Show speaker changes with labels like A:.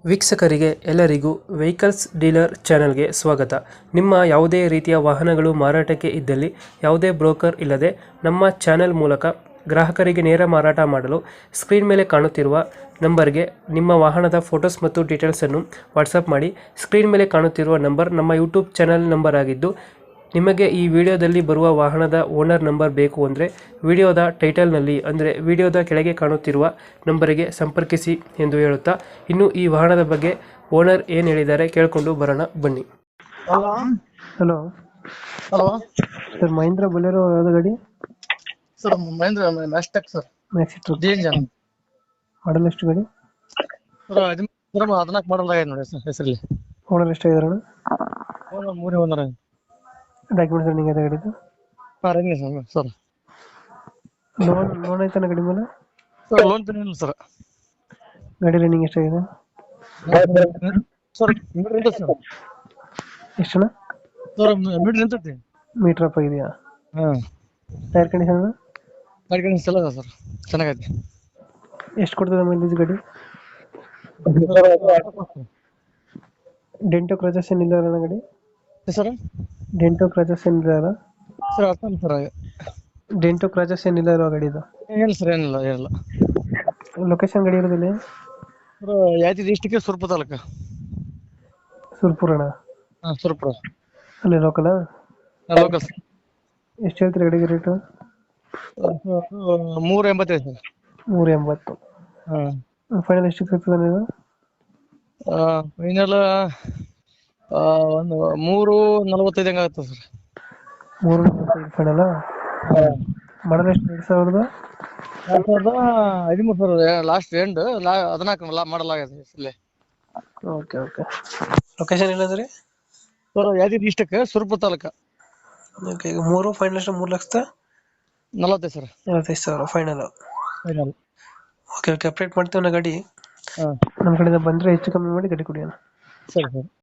A: ವೀಕ್ಷಕರಿಗೆ ಎಲ್ಲರಿಗೂ vehicles dealer ಚಾನೆಲ್ಗೆ ಸ್ವಾಗತ. ನಿಮ್ಮ ಯಾವುದೇ ರೀತಿಯ ವಾಹನಗಳು ಮಾರಾಟಕ್ಕೆ ಇದ್ದಲ್ಲಿ ಯಾವುದೇ ಬ್ರೋಕರ್ ಇಲ್ಲದೆ ನಮ್ಮ ಚಾನೆಲ್ ಮೂಲಕ ಗ್ರಾಹಕರಿಗೆ ನೇರ ಮಾರಾಟ ಮಾಡಲು ಸ್ಕ್ರೀನ್ ಮೇಲೆ ಕಾಣುತ್ತಿರುವ ನಂಬರ್ಗೆ ನಿಮ್ಮ ವಾಹನದ ಫೋಟೋಸ್ ಮತ್ತು ಡೀಟೇಲ್ಸನ್ನು ವಾಟ್ಸಪ್ ಮಾಡಿ. ಸ್ಕ್ರೀನ್ ಮೇಲೆ ಕಾಣುತ್ತಿರುವ ನಂಬರ್ ನಮ್ಮ ಯೂಟ್ಯೂಬ್ ಚಾನೆಲ್ ನಂಬರ್ ಆಗಿದ್ದು, ನಿಮಗೆ ಈ ವಿಡಿಯೋದಲ್ಲಿ ಬರುವ ವಾಹನದ ಓನರ್ ನಂಬರ್ ಬೇಕು ಅಂದರೆ ವಿಡಿಯೋದ ಟೈಟಲ್ನಲ್ಲಿ ಅಂದರೆ ವಿಡಿಯೋದ ಕೆಳಗೆ ಕಾಣುತ್ತಿರುವ ನಂಬರಿಗೆ ಸಂಪರ್ಕಿಸಿ ಎಂದು ಹೇಳುತ್ತಾ, ಇನ್ನು ಈ ವಾಹನದ ಬಗ್ಗೆ ಓನರ್ ಏನು ಹೇಳಿದ್ದಾರೆ ಕೇಳಿಕೊಂಡು ಬರೋಣ ಬನ್ನಿ.
B: Hello
A: hello
B: hello
A: sir, Mahindra Bolero ಯಾವ್ದು ಗಾಡಿ?
B: ಸರ್ ಮಹೇಂದ್ರ ಮ್ಯಾಸ್ಟೆಕ್ ಸರ್
A: ಮ್ಯಾಕ್ಸಿಟ್ರೋ
B: ಡಿ ಇಂಜನ್
A: ಮಾಡಲ್ ಎಷ್ಟು ಗಾಡಿ?
B: ಸರ್ 14 ಮಾಡಲ್ ಆಗಿದೆ ನೋಡಿ ಸರ್ ಹೆಸರಲ್ಲಿ.
A: ಓನರ್ ಎಷ್ಟಾಗಿದಾರಣ?
B: ಮೂರೇ ಒಂದರ
A: ಡಾಕ್ಯುಮೆಂಟ್ಸ್ ರನ್ನಿಂಗ್ ಇದೆ ಗಾಡಿದು?
B: Running sir.
A: ಲೋನ್ ಐತನ ಗಾಡಿ ಮೇಲೆ?
B: ಸರ್ ಲೋನ್ ಇಲ್ಲ ಸರ್.
A: ಗಾಡಿ ರನ್ನಿಂಗ್ ಎಷ್ಟಾಗಿದೆ?
B: ಸರ್ ಮೀಟರ್ ನಿಂತೈತಿ ಸರ್.
A: ಎಷ್ಟಣ್ಣ?
B: ಸರ್ ಮೀಟರ್ ನಿಂತೈತಿ.
A: ಮೀಟರ್ ಅಪ್ ಆಗಿದೆಯಾ?
B: ಹಾಂ
A: ಟೈರ್ ಕಂಡೀಷನ್?
B: ಗಾಡಿ ಕಂಡೀಷನ್ ಎಲ್ಲ ಸರ್ ಚೆನ್ನಾಗೈತಿ.
A: ಎಷ್ಟು ಕೊಡ್ತದೆ ಮೈಲೇಜ್ ಗಾಡಿ? ಡೆಂಟೋ ಕ್ರಚಸ್ ಏನಿಲ್ಲ ಅಣ್ಣ ಗಾಡಿ?
B: ಸರ್
A: ಡೆಂಟೋ ಕ್ರಚಸ್ ಏನಿಲ್ಲ ಅಲ್ಲ?
B: ಸರ್ ಅರ್ಥ ಸರ್
A: ಡೆಂಟೋ ಕ್ರಚಸ್ ಏನಿಲ್ಲ ಇರೋ ಗಾಡಿದು?
B: ಏನಿಲ್ಲ ಸರ್ ಏನಿಲ್ಲ.
A: ಲೊಕೇಶನ್ ಗಾಡಿ ಇರೋದಿಲ್ಲ?
B: Sir Yadgiri district Surapura taluk.
A: ಸುರ್ಪುರಣ?
B: ಹಾಂ ಸುರಪುರ
A: ಅಲ್ಲಿ ಲೋಕಲ್?
B: Local sir.
A: ಎಷ್ಟು ಹೇಳ್ತೀರಿ ಗಾಡಿಗೆ ರೇಟು?
B: 385 ಸರ್.
A: 380.
B: ಹಾಂ
A: ಫೈನಲ್ ಎಷ್ಟು ಸಿಗ್ತದೆ ನೀವು?
B: ಫೈನಲ್ ಒಂದು 345 ಹಂಗೆ ಆಗುತ್ತೆ ಸರ್.
A: 345 ಫೈನಲ್? ಮಾಡಲ್ ಎಷ್ಟು?
B: 2013 ಸರ್. ಲಾಸ್ಟ್ ಎಂಡ್ 14 ಮಾಡಲ್ ಆಗಿದೆ ಇಲ್ಲೇ.
A: Okay okay. ಲೊಕೇಶನ್ ಏನಂದ್ರಿ?
B: Sir Yadgiri district Surapura taluk.
A: Okay. ಈಗ 3 ಫೈನಲ್ ಎಷ್ಟು? 3,45,000
B: sir
A: 45,000 final?
B: Final.
A: Okay okay. Update ಮಾಡ್ತೀವಿ ನಾ ಗಾಡಿ.
B: ಹಾಂ
A: ನಮ್ಮ ಕಡೆಯಿಂದ ಬಂದರೆ ಹೆಚ್ಚು ಕಮ್ಮಿ ಮಾಡಿ ಗಾಡಿ ಕೊಡಿ ಅಣ್ಣ.
B: ಸರಿ ಸರ್.